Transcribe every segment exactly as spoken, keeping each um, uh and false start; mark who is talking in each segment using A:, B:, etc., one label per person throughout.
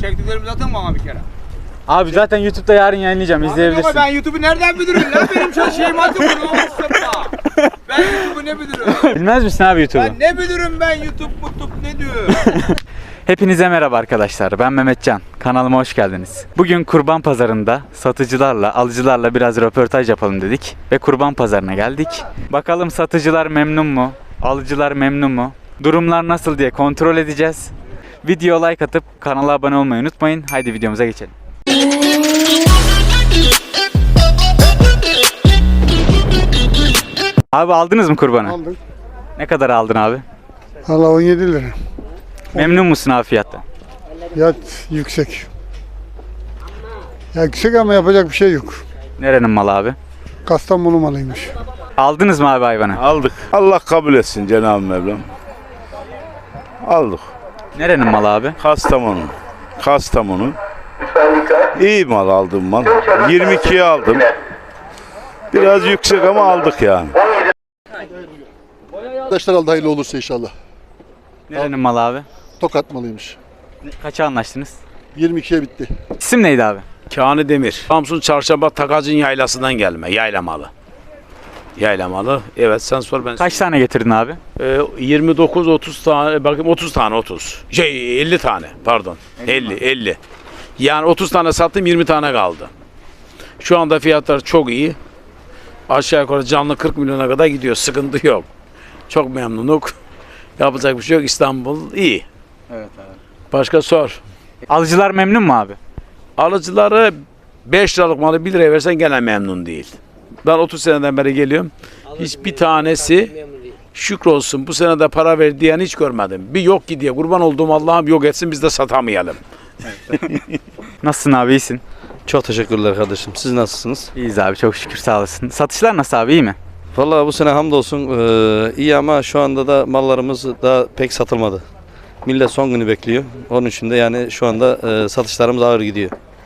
A: Çektiklerimi zaten bana bir kere.
B: Abi zaten YouTube'da yarın yayınlayacağım, izleyebilirsin.
A: Ben YouTube'u nereden bilirim lan? Benim şu şeyim adı bunu olmazsa. Ben YouTube'u ne bilirim?
B: Bilmez misin abi YouTube'u?
A: Ben ne bilirim ben YouTube YouTube ne diyor?
B: Hepinize merhaba arkadaşlar. Ben Mehmetcan. Kanalıma hoş geldiniz. Bugün kurban pazarında satıcılarla, alıcılarla biraz röportaj yapalım dedik ve kurban pazarına geldik. Bakalım satıcılar memnun mu? Alıcılar memnun mu? Durumlar nasıl diye kontrol edeceğiz. Video like atıp kanala abone olmayı unutmayın. Haydi videomuza geçelim. Abi aldınız mı kurbanı?
C: Aldık.
B: Ne kadar aldın abi?
C: Valla on yedi lira.
B: Memnun musun abi fiyattan?
C: Fiyat yüksek. Ya yüksek ama yapacak bir şey yok.
B: Nerenin malı abi?
C: Kastamonu malıymış.
B: Aldınız mı abi hayvanı?
D: Aldık. Allah kabul etsin Cenab-ı Mevlam. Aldık.
B: Nerenin malı abi?
D: Kastamonu. Kastamonu. İyi mal aldım mal. yirmi ikiye aldım. Biraz yüksek ama aldık yani.
E: Arkadaşlar aldı hayırlı olursa inşallah.
B: Nerenin malı abi?
E: Tokat malıymış.
B: Kaça anlaştınız?
E: yirmi ikiye bitti.
B: İsim neydi abi?
F: Kâni Demir. Samsun Çarşamba Takacın yaylasından gelme. Yaylamalı. Yaylamalı. Evet sen sor ben.
B: Kaç tane getirdin abi?
F: Ee, yirmi dokuz otuz tane bakayım otuz tane otuz. Şey elli tane pardon. elli elli. Yani otuz tane sattım yirmi tane kaldı. Şu anda fiyatlar çok iyi. Aşağı yukarı canlı kırk milyona kadar gidiyor. Sıkıntı yok. Çok memnunuk. Yapacak bir şey yok. İstanbul iyi.
B: Evet abi.
F: Başka sor.
B: Alıcılar memnun mu abi?
F: Alıcıları beş liralık malı bir liraya versen gene memnun değil. Ben otuz seneden beri geliyorum. Hiçbir tanesi şükrolsun bu sene de para ver diyen hiç görmedim. Bir yok ki diye kurban olduğum Allah'ım yok etsin biz de satamayalım.
B: Nasılsın abi, iyisin?
G: Çok teşekkürler kardeşim. Siz nasılsınız?
B: İyiyiz abi, çok şükür, sağ olasın. Satışlar nasıl abi, iyi mi?
G: Vallahi bu sene hamdolsun eee, iyi ama şu anda da mallarımız daha pek satılmadı. Millet son günü bekliyor. Onun için de yani şu anda eee, satışlarımız ağır gidiyor.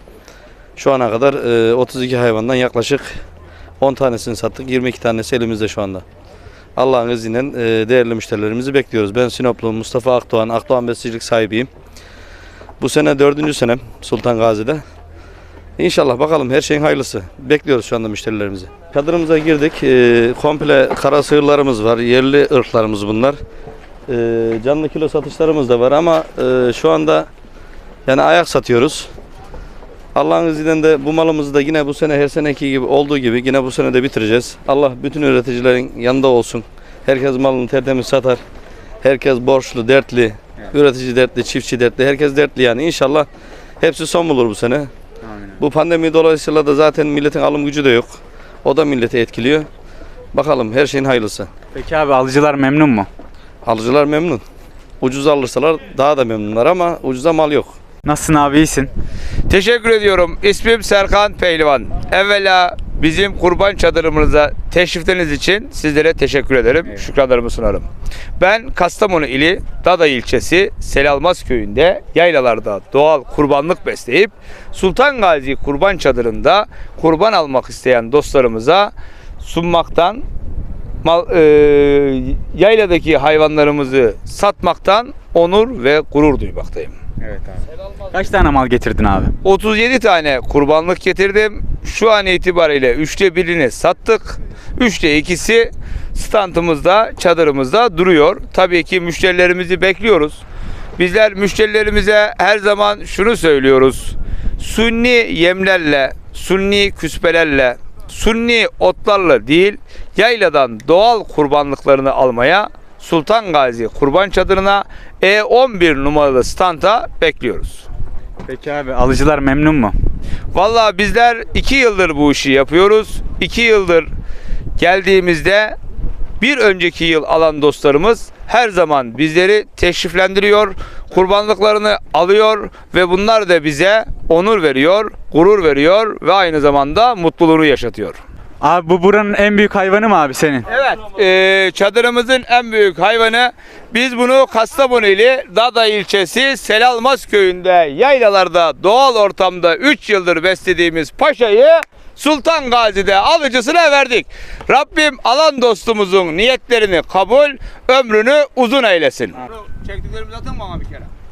G: Şu ana kadar eee, otuz iki hayvandan yaklaşık on tanesini sattık. yirmi iki tanesi elimizde şu anda. Allah'ın izniyle eee, değerli müşterilerimizi bekliyoruz. Ben Sinoplu Mustafa Akdoğan, Akdoğan Besicilik sahibiyim. Bu sene dördüncü senem Sultan Gazi'de. İnşallah bakalım her şeyin hayırlısı. Bekliyoruz şu anda müşterilerimizi. Çadırımıza girdik. Ee, komple kara sığırlarımız var. Yerli ırklarımız bunlar. Ee, canlı kilo satışlarımız da var ama e, şu anda yani ayak satıyoruz. Allah'ın izniyle de bu malımızı da yine bu sene her seneki gibi olduğu gibi yine bu sene de bitireceğiz. Allah bütün üreticilerin yanında olsun. Herkes malını tertemiz satar. Herkes borçlu, dertli. Üretici dertli, çiftçi dertli. Herkes dertli yani. İnşallah hepsi son bulur bu sene. Bu pandemi dolayısıyla da zaten milletin alım gücü de yok. O da milleti etkiliyor. Bakalım her şeyin hayırlısı.
B: Peki abi, alıcılar memnun mu?
G: Alıcılar memnun. Ucuz alırsalar daha da memnunlar ama ucuza mal yok.
B: Nasılsın abi, iyisin?
A: Teşekkür ediyorum. İsmim Serkan Pehlivan. Evvela bizim kurban çadırımıza teşrifleriniz için sizlere teşekkür ederim. Evet. Şükranlarımı sunarım. Ben Kastamonu ili Dada ilçesi Selalmaz köyünde yaylalarda doğal kurbanlık besleyip Sultan Gazi kurban çadırında kurban almak isteyen dostlarımıza sunmaktan, mal, e, yayladaki hayvanlarımızı satmaktan onur ve gurur duymaktayım.
B: Evet abi. Kaç tane mal getirdin abi?
A: otuz yedi tane kurbanlık getirdim. Şu an itibariyle üçte birini sattık. üçte ikisi standımızda, çadırımızda duruyor. Tabii ki müşterilerimizi bekliyoruz. Bizler müşterilerimize her zaman şunu söylüyoruz. Sunni yemlerle, sunni küspelerle, sunni otlarla değil, yayladan doğal kurbanlıklarını almaya Sultan Gazi kurban çadırına E on bir numaralı standa bekliyoruz.
B: Peki abi, alıcılar memnun mu?
A: Vallahi bizler iki yıldır bu işi yapıyoruz. iki yıldır geldiğimizde bir önceki yıl alan dostlarımız her zaman bizleri teşriflendiriyor, kurbanlıklarını alıyor ve bunlar da bize onur veriyor, gurur veriyor ve aynı zamanda mutluluğunu yaşatıyor.
B: Abi bu buranın en büyük hayvanı mı abi senin?
A: Evet, e, çadırımızın en büyük hayvanı. Biz bunu Kastamonu ili Dada ilçesi Selalmaz köyünde yaylalarda doğal ortamda üç yıldır beslediğimiz paşayı Sultan Gazi'de alıcısına verdik. Rabbim alan dostumuzun niyetlerini kabul, ömrünü uzun eylesin. Çektiklerimi zaten bana bir kere.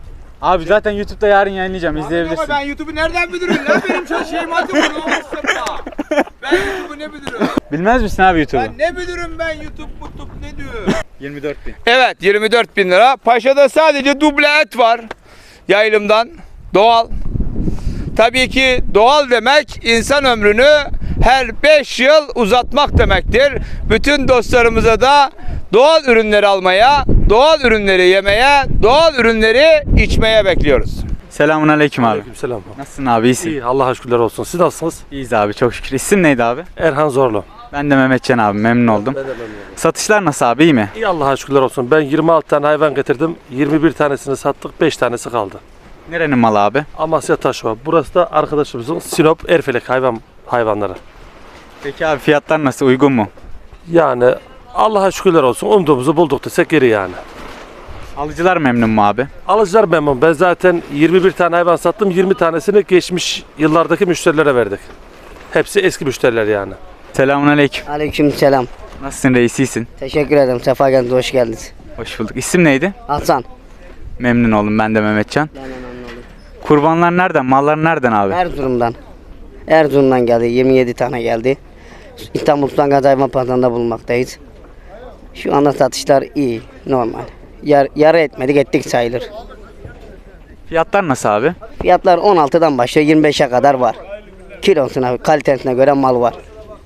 B: Abi zaten YouTube'da yarın yayınlayacağım. İzleyebilirsin.
A: Ama ben YouTube'u nereden bilirim lan? Benim şu şeyim adı bunu Mustafa. Ben YouTube'u ne bilirim?
B: Bilmez misin abi YouTube'u?
A: Ben ne bilirim ben YouTube YouTube ne diyor?
B: yirmi dört bin.
A: Evet yirmi dört bin lira. Paşa'da sadece duble et var. Yaylımdan. Doğal. Tabii ki doğal demek insan ömrünü her beş yıl uzatmak demektir. Bütün dostlarımıza da doğal ürünleri almaya, doğal ürünleri yemeye, doğal ürünleri içmeye bekliyoruz.
B: Selamun aleyküm abi.
H: Selam.
B: Nasılsın abi? İyisin.
H: İyi, Allah'a şükürler olsun. Siz nasılsınız?
B: İyiyiz abi çok şükür. İsim neydi abi?
H: Erhan Zorlu.
B: Ben de Mehmetcan abi, memnun oldum.
H: Ben de memnunum.
B: Satışlar nasıl abi, iyi mi?
H: İyi, Allah'a şükürler olsun. Ben yirmi altı tane hayvan getirdim. yirmi bir tanesini sattık, beş tanesi kaldı.
B: Nerenin malı abi?
H: Amasya Taşova. Burası da arkadaşımızın Sinop Erfelek hayvan hayvanları.
B: Peki abi fiyatlar nasıl, uygun mu?
H: Yani Allah'a şükürler olsun. Umduğumuzu bulduk desek geri yani.
B: Alıcılar memnun mu abi?
H: Alıcılar memnun. Ben zaten yirmi bir tane hayvan sattım. yirmi tanesini geçmiş yıllardaki müşterilere verdik. Hepsi eski müşteriler yani.
B: Selamun aleyküm.
I: Aleykümselam.
B: Nasılsın reis, iyisin?
I: Teşekkür ederim. Sefa geldiniz. Hoş geldiniz.
B: Hoş bulduk. İsim neydi?
I: Hasan.
B: Memnun oldum, ben de Mehmetcan.
I: Ben de memnun oldum.
B: Kurbanlar nereden, mallar nereden abi?
I: Erzurum'dan. Erzurum'dan geldi. yirmi yedi tane geldi. İstanbul Sultan Gazi Hayvan Pazarı'nda bulunmaktayız. Şu anda satışlar iyi. Normal. Yar, yarı etmedik ettik sayılır.
B: Fiyatlar nasıl abi?
I: Fiyatlar on altıdan başlıyor. yirmi beşe kadar var. Kilosuna, kalitesine göre mal var.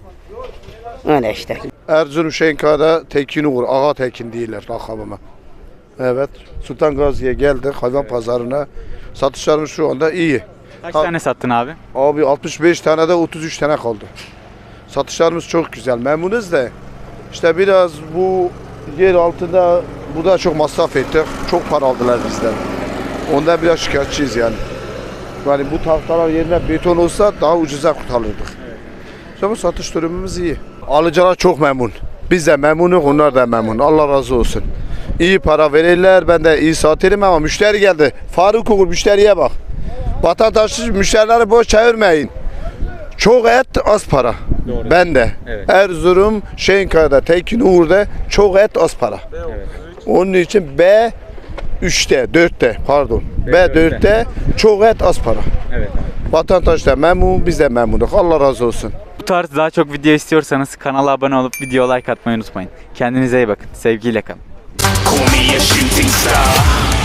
I: Öyle işte.
E: Erzurum Şenka'da Tekin Uğur, Ağa Tekin değiller rakamıma. Evet. Sultan Gazi'ye geldik hayvan pazarına. Satışlarımız şu anda iyi.
B: Kaç
E: Ha-
B: tane sattın abi?
E: Abi altmış beş tane de otuz üç tane kaldı. Satışlarımız çok güzel. Memnunuz da işte biraz bu yer altında burada çok masraf ettik. Çok para aldılar bizden. Ondan biraz şikayetçiyiz yani. Yani bu tahtalar yerine beton olsa daha ucuza kurtarırdık. Ama satış durumumuz iyi. Alıcılar çok memnun. Biz de memnunuz, onlar da memnun. Allah razı olsun. İyi para verirler, ben de iyi satarım ama müşteri geldi. Faruk Uğur müşteriye bak. Vatandaşsız müşterileri boş çevirmeyin. Çok et, az para.
B: Doğru.
E: Ben de.
B: Evet.
E: Erzurum, Şenkaya'da, Tekin Uğur'da çok et, az para.
B: Evet.
E: Onun için B üçte, dörtte pardon.
B: B
E: B dörtte çok et, az para.
B: Evet.
E: Vatandaş da memnun, biz de memnunuz. Allah razı olsun.
B: Bu tarz daha çok video istiyorsanız kanala abone olup video like atmayı unutmayın. Kendinize iyi bakın. Sevgiyle kalın.
J: Call me a shooting star.